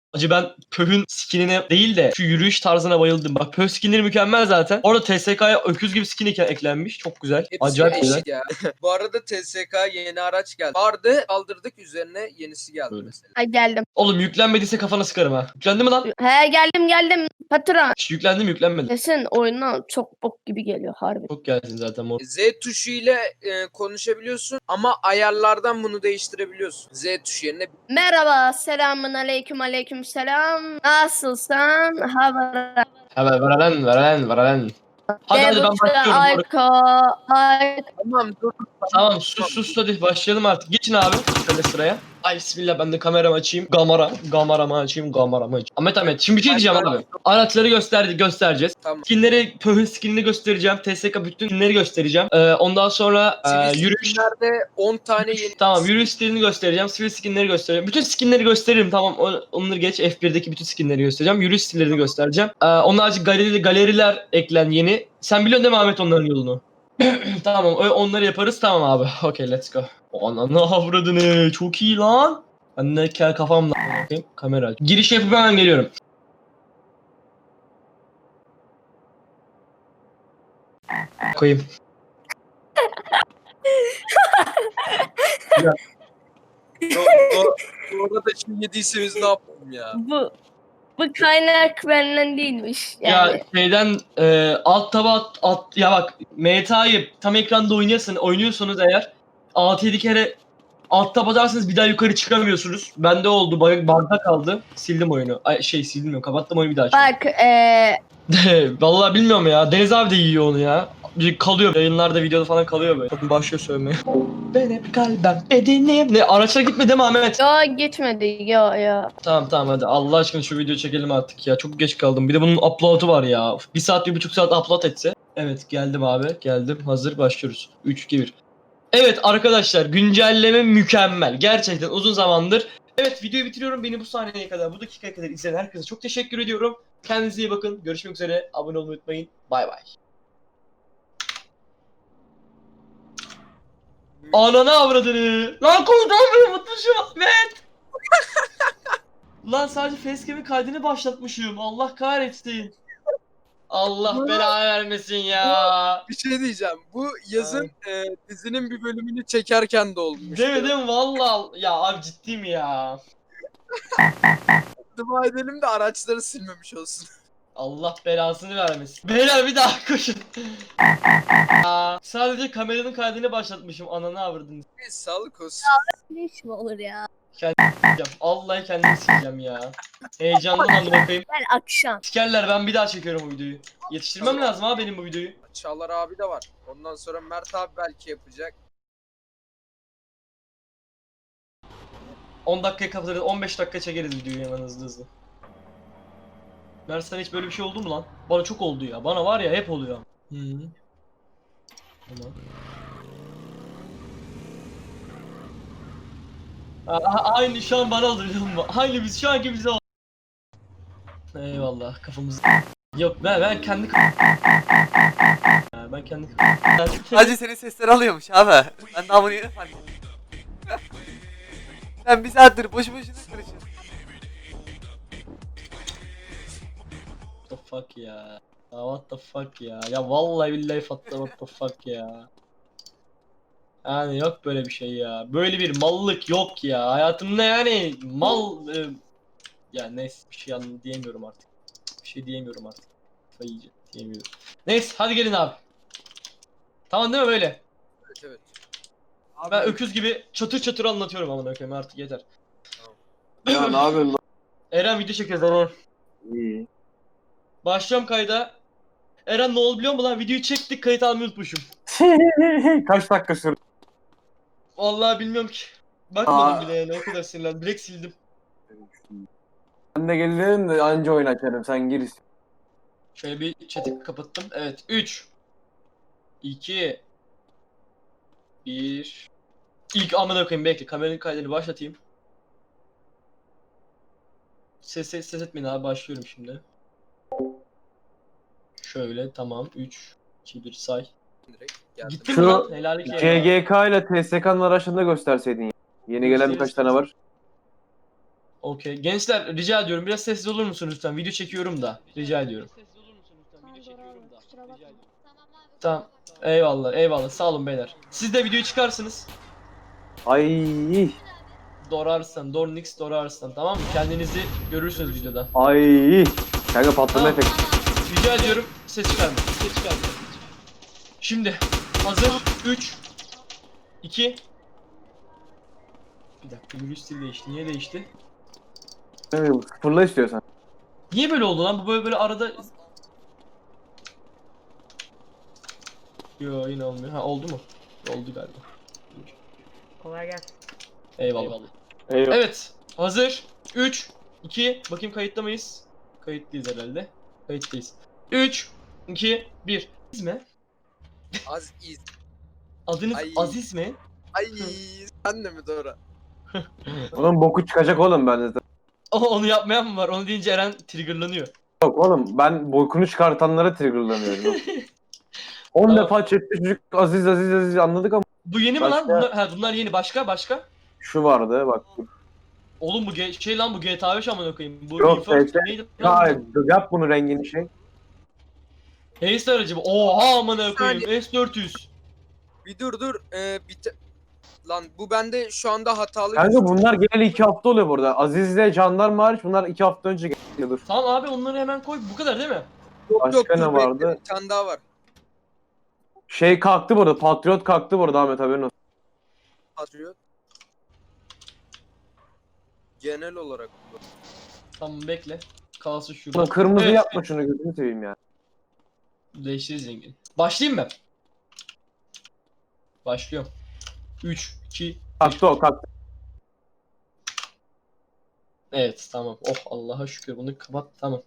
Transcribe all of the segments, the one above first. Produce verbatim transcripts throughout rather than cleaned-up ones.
Hacı ben Pöh'ün skinine değil de şu yürüyüş tarzına bayıldım. Bak Pöh skinleri mükemmel zaten. Orada T S K'ya öküz gibi skin ek- eklenmiş. Çok güzel. Hepsi Acayip güzel. eşit ya. Bu arada T S K yeni araç geldi. Vardı kaldırdık üzerine yenisi geldi Böyle. mesela. Ha geldim. Oğlum yüklenmediyse kafana sıkarım ha. Yüklendi mi lan? He geldim geldim. Patron. Şş, yüklendi mi yüklenmedi. Kesin oyuna çok bok gibi geliyor harbi. Çok gelsin zaten mor. Z tuşu ile e, konuşabiliyorsun ama ayarlardan bunu değiştirebiliyorsun. Z tuşu yerine Merhaba, selamun aleyküm aleyküm selam. Nasılsın? Hava. Hemen veren veren veren. Hadi hadi ben başlıyorum. Ayko, Ayko. tamam dur. Tamam sus sus hadi başlayalım artık. Geçin abi şöyle sıraya. Ay bismillah ben de kameramı açayım. Gamara. Gamaramı açayım. Gamaramı açayım. Ahmet Ahmet şimdi bir şey diyeceğim abi. Araçları gösterdi göstereceğiz. Tamam. Skinleri, Pöh'ün skinini göstereceğim. T S K bütün skinleri göstereceğim. Ee, ondan sonra e, yürüyüş. Skinlerde on tane yeni. Tamam yürüyüş stilini göstereceğim. Sivil skinleri göstereceğim. Bütün skinleri gösteririm tamam. O- Onları geç. F bir'deki bütün skinleri göstereceğim. Yürüyüş stillerini göstereceğim. Ee, onun harici galeri, galeriler eklen yeni. Sen biliyorsun değil mi Ahmet onların yolunu? Tamam o- onları yaparız tamam abi. Okay let's go. Ananı avradını çok iyi lan. Ben de kel kafamla bakayım kamera. Giriş yapıp hemen geliyorum. Koyayım. Bu arada şimdi yediyse biz ne yapalım ya? Bu bu kaynak benden değilmiş. Yani. Ya şeyden e, alt taba at, at ya bak M T A'yı tam ekranda oynuyorsun oynuyorsanız eğer altı yedi kere alt tab atarsanız bir daha yukarı çıkamıyorsunuz. Bende oldu bug- bug'da kaldı. Sildim oyunu. Ay, şey sildim kapattım oyunu bir daha açtım. Bak eee Vallahi bilmiyorum ya. Deniz abi de yiyor onu ya. Bir kalıyor. Yayınlarda videoda falan kalıyor böyle. Bakın başlıyor sövmeye. Ben hep kalben bedenim. Ne araçlara gitme değil mi Ahmet? yo gitmedi yo yo. Tamam tamam hadi Allah aşkına şu videoyu çekelim artık ya. Çok geç kaldım. Bir de bunun upload'u var ya. Bir saat bir buçuk saat upload etse. Evet geldim abi. Geldim. Hazır başlıyoruz. üç iki bir. Evet arkadaşlar güncelleme mükemmel. Gerçekten uzun zamandır. Evet videoyu bitiriyorum. Beni bu sahneye kadar, bu dakikaya kadar izleyen herkese çok teşekkür ediyorum. Kendinize iyi bakın. Görüşmek üzere. Abone olmayı unutmayın. Bay bay. Ananı avradını. Lan komutan unutmuşum Ahmet. Lan sadece facecam'in kaydını başlatmışım. Allah kahretsin. Allah belanı vermesin ya. Bir şey diyeceğim. Bu yazın e, dizinin bir bölümünü çekerken de olmuş. Değil mi değil mi? Vallahi ya abi ciddi mi ya? Dua edelim de araçları silmemiş olsun. Allah belasını vermesin. Beyler bir daha koşun. Aa, sadece kameranın kaydını başlatmışım. Ananı avradını Neyse, sağlık olsun. Ne iş mi olur ya? s**eceğim. Vallahi kendimi sileceğim ya. Heyecandan amına koyayım. Ben akşam. Sikerler ben bir daha çekiyorum bu videoyu. Yetiştirmem lazım ha benim bu videoyu. Çağlar abi de var. Ondan sonra Mert abi belki yapacak. on dakikaya kapatırız. on beş dakika çekeriz videoyu hemen hızlı hızlı. Mert sana hiç böyle bir şey oldu mu lan? Bana çok oldu ya. Bana var ya hep oluyor. Hı. Tamam. A- aynı şu an bana oldu biliyor musun? Aynı biz şu anki bize oldu. Eyvallah kafamız. Yok ben ben kendi Ha, ben kendi Hacı senin sesleri alıyormuş abi. Ben daha bunu yeni fark ettim. Sen bir saattir boşu boşuna karışıyorsun. What the fuck ya? Ya what the fuck ya? Ya vallahi billahi fatta what the fuck ya? Yani yok böyle bir şey ya. Böyle bir mallık yok ya. Hayatımda yani mal e, ya neyse bir şey an diyemiyorum artık. Bir şey diyemiyorum artık. Kafayı yiyeceğim, diyemiyorum. Neyse hadi gelin abi. Tamam değil mi böyle? Evet evet. Ben öküz gibi çatır çatır anlatıyorum amına koyayım artık yeter. Ya ne yapıyorsun lan? Eren video çekiyoruz Eren. İyi. Başlıyorum kayda. Eren ne oldu biliyor musun lan? Videoyu çektik kayıt almayı unutmuşum. Kaç dakika sürdü? Vallahi bilmiyorum ki. Bakmadım Aa. bile yani o kadar sinirlendim. Direkt sildim. Ben de gelirim de anca oyun açarım. Sen gir. Şöyle bir chat'i kapattım. Evet. üç iki bir İlk amına koyayım bekle. Kameranın kaydını başlatayım. Ses ses ses etmeyin abi başlıyorum şimdi. Şöyle tamam. üç iki bir say. Direkt geldim. Gitti mi Şu lan? Helallik ya. C G K ile T S K'nın arasında gösterseydin. ya. Yeni gelen birkaç tane var. Okey. Gençler rica ediyorum biraz sessiz olur musunuz lütfen? Video çekiyorum da. Rica ediyorum. Tamam doğru abi kusura bakma. Tamam. Eyvallah eyvallah. Sağ olun beyler. Siz de videoyu çıkarsınız. Ay. Dorarslan, Dornix Dorarslan tamam mı? Kendinizi görürsünüz videoda. Ay. Kanka patlama Tamam. efekti. Rica ediyorum ses çıkarmayın. Ses çıkarmayın. Şimdi hazır. üç iki Bir dakika virüs stil değişti. Niye değişti? Sıfırla istiyorsan. Niye böyle oldu lan? Bu böyle böyle arada... Yo yine olmuyor. Ha oldu mu? Oldu galiba. Kolay gelsin. Eyvallah. Eyvallah. Evet. Hazır. üç iki Bakayım kayıtta mıyız? Kayıtlıyız herhalde. Kayıttayız. üç iki bir Aziz mi? Az iz. Adınız Ay. Aziz mi? Ay sen de mi Dora? Onun boku çıkacak oğlum bende de. O onu yapmayan mı var? Onu deyince Eren triggerlanıyor. Yok oğlum ben bokunu çıkartanlara triggerlanıyorum. on Tamam. defa chatte çocuk Aziz Aziz Aziz anladık ama Bu yeni mi Başka? lan? Bunlar, ha, bunlar yeni. Başka? Başka? şu vardı bak. Oğlum bu ge- şey lan bu G T A beş amına koyayım. Bu Yok, Reforged G T A neydi lan? Hayır yap bunu rengini şey. Haste aracı bu. Oha amına koyayım. saniye. S dört yüz. Bir dur dur. Ee, bir te- Lan bu bende şu anda hatalı Kanka gözüküyor. bunlar genel iki hafta oluyor burada. Aziz'le Jandarma hariç bunlar iki hafta önce geliyor. Tamam abi onları hemen koy. Bu kadar değil mi? Yok Başka yok ne dur vardı? bekle, bir tane daha var. Şey kalktı burada. Patriot kalktı burada Ahmet haberin olsun. Patriot. Genel olarak bu. Tamam bekle. Kalsın şurada. Ulan kırmızı Evet. yapma şunu gözünü seveyim ya. Değiştiririz rengini. Başlayayım mı? Başlıyorum. üç iki Kalktı o kalktı. Evet tamam. Oh Allah'a şükür bunu kapat tamam.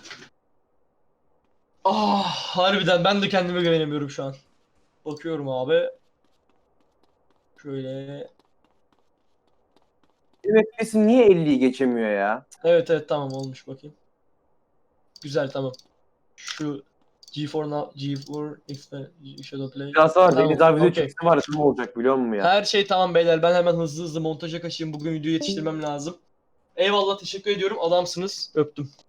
Ah harbiden ben de kendime güvenemiyorum şu an. Bakıyorum abi. Şöyle. F P S'in niye elliyi geçemiyor ya? Evet evet tamam olmuş bakayım. Güzel tamam. Şu G dört Now, G dört Exp- Shadow Play. Biraz var. Tamam, Deniz abi video okey. çekse var ya ne olacak biliyor musun ya? Her şey tamam beyler. Ben hemen hızlı hızlı montaja kaçayım. Bugün videoyu yetiştirmem lazım. Eyvallah teşekkür ediyorum. Adamsınız. Öptüm.